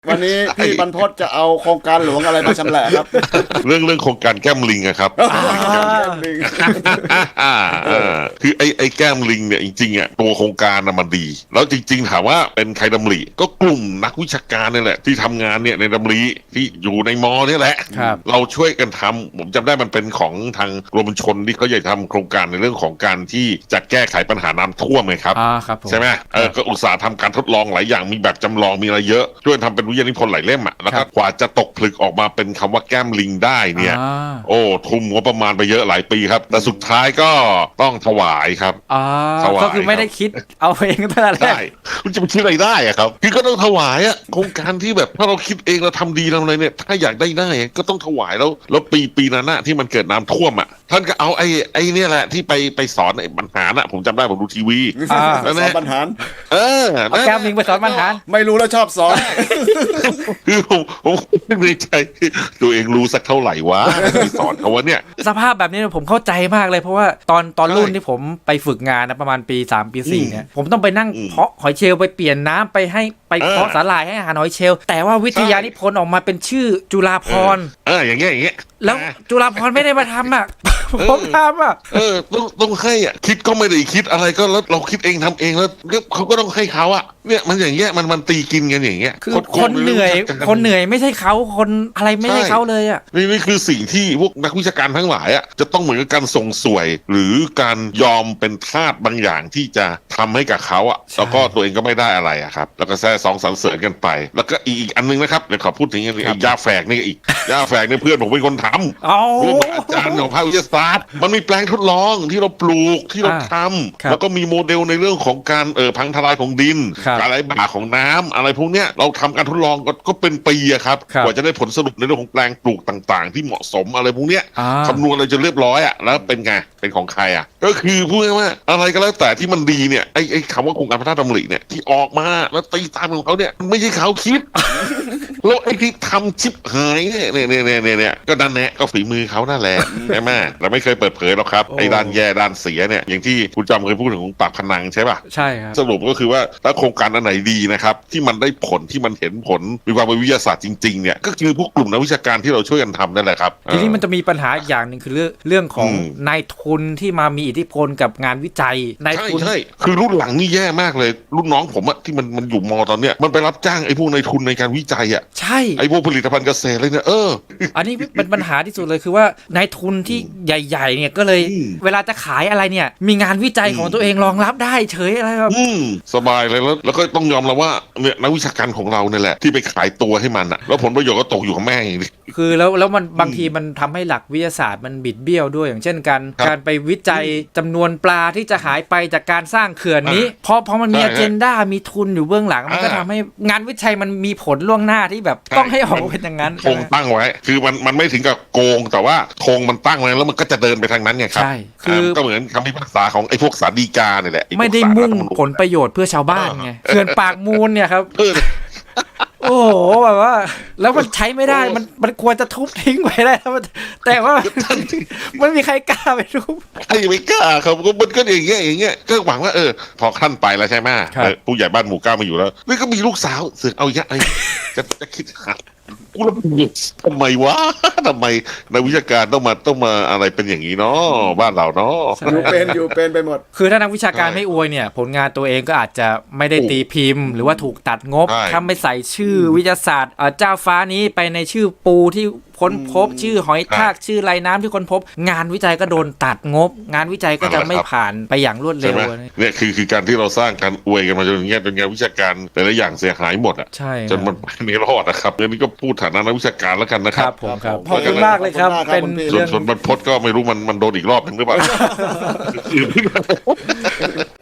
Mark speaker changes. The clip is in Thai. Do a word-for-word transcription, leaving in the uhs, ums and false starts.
Speaker 1: วันนี้พี่บรรพตจะเอาโครงการหลวงอะไรมาชำแหละครับ
Speaker 2: เรื่องเรื่องโครงการแก้มลิงอะครับคือไอ้ไอ้แก้มลิงเนี่ยจริงๆอะตัวโครงการน่ะมันดี แล้วจริงๆถามว่าเป็นใครดำริก็กลุ่มนักวิชาการนี่แหละที่ทำงานเนี่ยในดำริที่อยู่ในมอนี่แหละเราช่วยกันทำผมจำได้มันเป็นของทางกรมชลที่เขาอยากทำโครงการในเรื่องของการที่จะแก้ไขปัญหาน้ำท่วมไงครับใช่ไหมเออก็อุตสาห์ทำการทดลองหลายอย่างมีแบบจำลองมีอะไรเยอะช่วยทำเป็นวิทยานิพนธ์หลายเล่มอ่ะแล้วก็กว่าจะตกผลึกออกมาเป็นคำว่าแก้มลิงได้เนี่ยโอ้ทุ่มงบประมาณไปเยอะหลายปีครับแต่สุดท้ายก็ต้องถวายครับ
Speaker 3: ก็คือไม่ได้คิดเอาเองตั้งแต่แรก
Speaker 2: มันจะไปคิดอะไรได้อะครับคือก็ต้องถวายอะโครงการที่แบบถ้าเราคิดเองเราทำดีเราอะไรเนี่ยถ้าอยากได้ได้ก็ต้องถวายแล้วแล้วปีปีนั้นน่ะที่มันเกิดน้ำท่วมอ่ะท่านก็เอาไอ้ไอ้เนี่ยแหละที่ไปไปสอนไอ้บรรหารน่ะผมจำได้ผมดูทีวี
Speaker 1: แล้วสอนบรรหาร
Speaker 2: เออ
Speaker 3: เอาแก้มลิงไปสอนบรรหาร
Speaker 1: ไม่รู้แล้วชอบสอน
Speaker 2: คือผมผมในใจตัวเองรู้สักเท่าไหร่วะที่สอนเขาว่าเนี่ย
Speaker 3: สภาพแบบนี้ผมเข้าใจมากเลยเพราะว่าตอนตอนรุ่นที่ผมไปฝึกงานนะประมาณปีสามปีสี่เนี่ยผมต้องไปนั่งเพาะหอยเชลล์ไปเปลี่ยนน้ำไปให้ไปเพาะสาหร่ายให้อาหารหอยเชลล์แต่ว่าวิทยานิพนธ์ออกมาเป็นชื่อจุฬาภรณ์
Speaker 2: เอออย่างเงี้ยอย่างเงี้ย
Speaker 3: แล้วจุฬาภรณ์ไม่ได้มาทำอ่ะผมทำอ่ะ
Speaker 2: เออต้องต้องให้อ่ะคิดก็ไม่ได้คิดอะไรก็แล้วเราคิดเองทำเองแล้วเขาก็ต้องให้เขาอ่ะเนี่ยมันอย่างเงี้ยมันมันตีกินกันอย่างเงี้ย
Speaker 3: คือคนเหนื่อยคนเหนื่อยไม่ใช่เขาคนอะไรไม่ใช่เขาเลยอ่ะ
Speaker 2: นี่นี่คือสิ่งที่พวกนักวิชาการทั้งหลายอ่ะจะต้องเหมือนกับการส่งสวยหรือการยอมเป็นทาสบางอย่างที่จะทำให้กับเขาอ่ะแล้วก็ตัวเองก็ไม่ได้อะไรอ่ะครับแล้วก็แซ่สองสรรเสริญกันไปแล้วก็อีกอันนึงนะครับเดี๋ยวขอพูดถึงยาแฝกนี่อีกยาแฝกเนี่ยเพื่อนผมเป็นคนทำเพื่อนอาจารย์ของภาควิทยาศาสตร์มันมีแปลงทดลองที่เราปลูกที่เราทำแล้วก็มีโมเดลในเรื่องของการเอ่อพังทลายของดินการไหลบ่าของน้ำอะไรพวกเนี้ยเราทำการทดลองก็ก็เป็นปีอะครับกว่าจะได้ผลสรุปในเรื่องของแปลงปลูกต่างๆที่เหมาะสมอะไรพวกเนี้ยคำนวณอะไรจนเรียบร้อยอะแล้วเป็นไงเป็นของใครอะก็คือพูดง่ายๆว่าอะไรก็แล้วแต่ที่มันดีเนี่ยไอ้ไอ้คำว่าโครงการพัฒนาดำริเนี่ยที่ออกมาแล้วตีตามของเขาเนี่ยมันไม่ใช่เขาคิดแล้วไอ้ที่ทำชิบหายเนี่ยเนี่ยเนี่ยเนี่ยเนี่ยก็ดันแนะก็ฝีมือเขานั่นแหละใช่ไหมเราไม่เคยเปิดเผยหรอกครับไอ้ด้านแย่ด้านเสียเนี่ยอย่างที่คุณจำเคยพูดถึงปากพนังใช่ป่ะ
Speaker 3: ใช่ครับ
Speaker 2: สรุปก็คือว่าถ้าโครงการอันไหนดีนะครับที่มันได้ผลที่มันเห็นผลมีความเป็นวิทยาศาสตร์จริงๆเนี่ยก็คือพวกกลุ่มนักวิชาการที่เราช่วยกันทำนั่นแหละครับ
Speaker 3: ทีนี้มันจะมีปัญหาอย่างหนึ่งคือเรื่องเรื่องของนายทุนที่มามีอิทธิพลกับงานวิจัยนายทุน
Speaker 2: ใช่คือรุ่นหลังนี่แย่มากเลยรุ่นน้องผมอะที่มันมันอยู่มอตอนเนี้ยมันไปรับจ้างไอ้พวกนายทุนในการวิจัยอะ
Speaker 3: ใช่
Speaker 2: ไอ้พวกผลิตภัณฑ์เกษตรเลยเนี่ยเออ
Speaker 3: อันนี้เป็นปัญหาที่สุดเลยคือว่านายทุนที่ใหญ่ๆเนี่ยก็เลยเวลาจะขายอะไรเนี่ยมีงานวิจัยของตัวเองรองรับได้เฉยอะไรแบบ
Speaker 2: สบายเลยแล้วแล้วก็ต้องยอมรับว่าเนี่ยนักวิชาการของเราเนี่ยแหละที่ไปขายตัวให้มันอะแล้วผลประโยชน์ก็ตกอยู่กับแม่ง
Speaker 3: คือแล้วแล้วมันบางทีมันทำให้หลักวิทยาศาสตร์มันบิดเบี้ยวด้วยอย่างเช่นการการไปวิจัยจำนวนปลาที่จะหายไปจากการสร้างเขื่อนนี้เพราะเพราะมันมีอเจนดามีทุนอยู่เบื้องหลังมันก็ทำให้งานวิจัยมันมีผลล่วงหน้าที่แบบต้องให้ออกเป็นอย่างนั้น
Speaker 2: ธงตั้งไว้คือมันมันไม่ถึงกับโกงแต่ว่าธงมันตั้งไว้แล้วมันก็จะเดินไปทางนั้นไงครับ
Speaker 3: ใช่คือ
Speaker 2: ก็เหมือนคำพิพากษาของไอ้พวกศาลฎีกาเนี่ยแหละ
Speaker 3: ไม่ได้มุ่งผลประโยชน์เพื่อชาวบ้านไงเขื่อนปากมูลเนี่ยครับโอ้โหแบบว่าแล้วมันใช้ไม่ได้มันมันควรจะทุบทิ้งไปได้แต่ว่าไม่มีใครกล้าไปทุบ
Speaker 2: ใครไม่กล้าครับก็มันก็อย่างเงี้ยอย่างเงี้ยก็หวังว่าเออพอขั้นไปแล้วใช่ไหมผู้ใหญ่บ้านหมู่เก้ามาอยู่แล้วนี่ก็มีลูกสาวเสือกเอาเยอะไอ้จะจะคิดหากูแล้วทำไมวะทำไมนักวิชาการต้องมาต้องมาอะไรเป็นอย่างนี้เนาะบ้านเราเนาะ
Speaker 1: อยู่เป็นอยู่เป็นไปหมด
Speaker 3: คือถ้านักวิชาการไม่อวยเนี่ยผลงานตัวเองก็อาจจะไม่ได้ตีพิมพ์หรือว่าถูกตัดงบถ้าไม่ใส่ชื่อวิทยาศาสตร์เจ้าฟ้านี้ไปในชื่อปูที่ค้นพบชื่อหอยทากชื่อไรน้ำที่ค้นพบงานวิจัยก็โดนตัดงบงานวิจัยก็จะไม่ผ่านไปอย่างรวดเร็ว
Speaker 2: เนี่ยคือคือการที่เราสร้างการอวยกันมาจนอย่างเงี้ยเป็นงานวิชาการแต่ละอย่างเสียหายหมดอ่ะจนมันไม่รอดนะครับเรื่องนี้ก็พูดฐานะนักวิชาการแล้วกันนะครับ
Speaker 3: ผมครับขอบคุณมากเลยครับเป็น
Speaker 2: ส่วนส่วนบรรพตก็ไม่รู้มันมันโดนอีกรอบนึงหรือเปล่า